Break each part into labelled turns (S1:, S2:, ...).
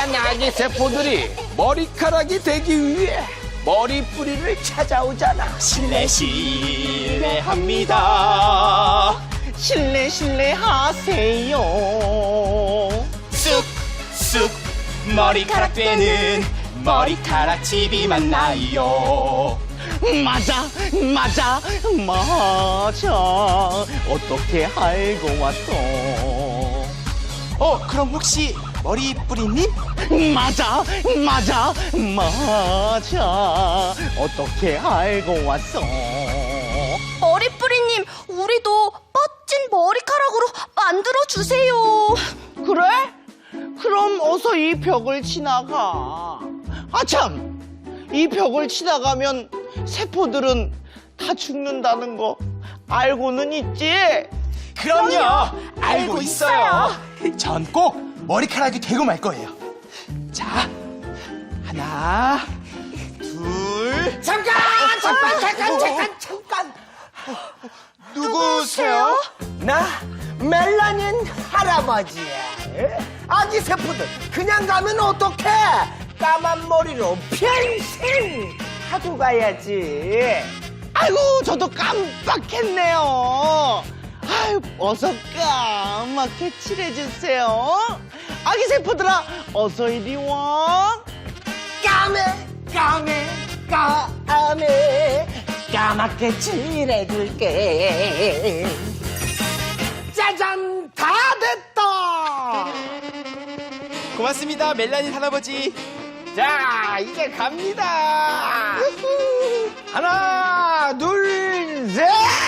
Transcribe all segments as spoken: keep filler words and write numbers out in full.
S1: 하얀 아기 세포들이 머리카락이 되기 위해 머리뿌리를 찾아오잖아.
S2: 실례 실례합니다. 실례 실례하세요. 쑥쑥 머리카락 되는 머리카락 집이 맞나요? 맞아 맞아 맞아. 어떻게 알고 왔어? 어 그럼 혹시 머리뿌리님? 맞아 맞아 맞아. 어떻게 알고 왔어?
S3: 머리뿌리님, 우리도 멋진 머리카락으로 만들어주세요.
S2: 그래? 그럼 어서 이 벽을 지나가. 아참! 이 벽을 지나가면 세포들은 다 죽는다는 거 알고는 있지?
S4: 그럼요. 알고,
S3: 알고
S4: 있어요. 전 꼭 머리카락이 되고 말 거예요. 자, 하나, 둘.
S1: 잠깐, 잠깐, 잠깐, 잠깐, 잠깐.
S4: 누구세요?
S1: 나 멜라닌 할아버지야. 아기 세포들 그냥 가면 어떡해? 까만 머리로 평생 하고 가야지.
S2: 아이고, 저도 깜빡했네요. 아유, 어서 까맣게 칠해주세요. 아기 세포들아, 어서 이리 와.
S1: 까매, 까매, 까매, 까맣게 칠해줄게. 짜잔, 다 됐다.
S4: 고맙습니다, 멜라닌 할아버지.
S1: 자, 이제 갑니다. 하나, 둘, 셋.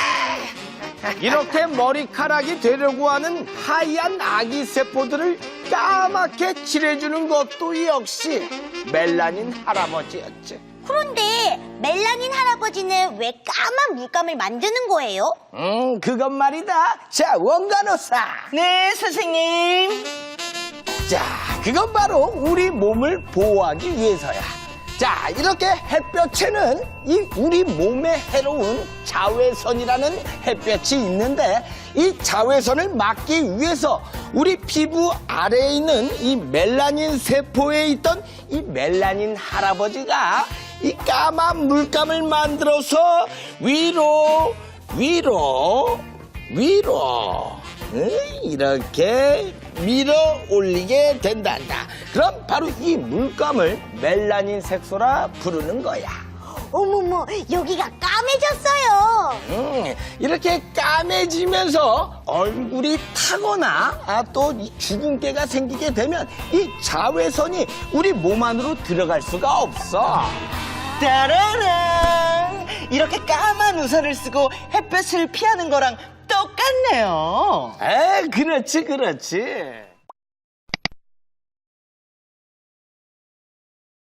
S1: 이렇게 머리카락이 되려고 하는 하얀 아기 세포들을 까맣게 칠해주는 것도 역시 멜라닌 할아버지였지.
S3: 그런데 멜라닌 할아버지는 왜 까만 물감을 만드는 거예요?
S1: 음, 그것 말이다. 자, 원간호사.
S2: 네, 선생님.
S1: 자, 그건 바로 우리 몸을 보호하기 위해서야. 자, 이렇게 햇볕에는 이 우리 몸에 해로운 자외선이라는 햇볕이 있는데 이 자외선을 막기 위해서 우리 피부 아래에 있는 이 멜라닌 세포에 있던 이 멜라닌 할아버지가 이 까만 물감을 만들어서 위로 위로 위로 응? 이렇게 밀어 올리게 된단다. 그럼 바로 이 물감을 멜라닌 색소라 부르는 거야.
S3: 어머머, 여기가 까매졌어요.
S1: 음, 이렇게 까매지면서 얼굴이 타거나 아, 또 이 주근깨가 생기게 되면 이 자외선이 우리 몸 안으로 들어갈 수가 없어.
S2: 따라란! 이렇게 까만 우산을 쓰고 햇볕을 피하는 거랑 똑같네요.
S1: 에, 그렇지, 그렇지.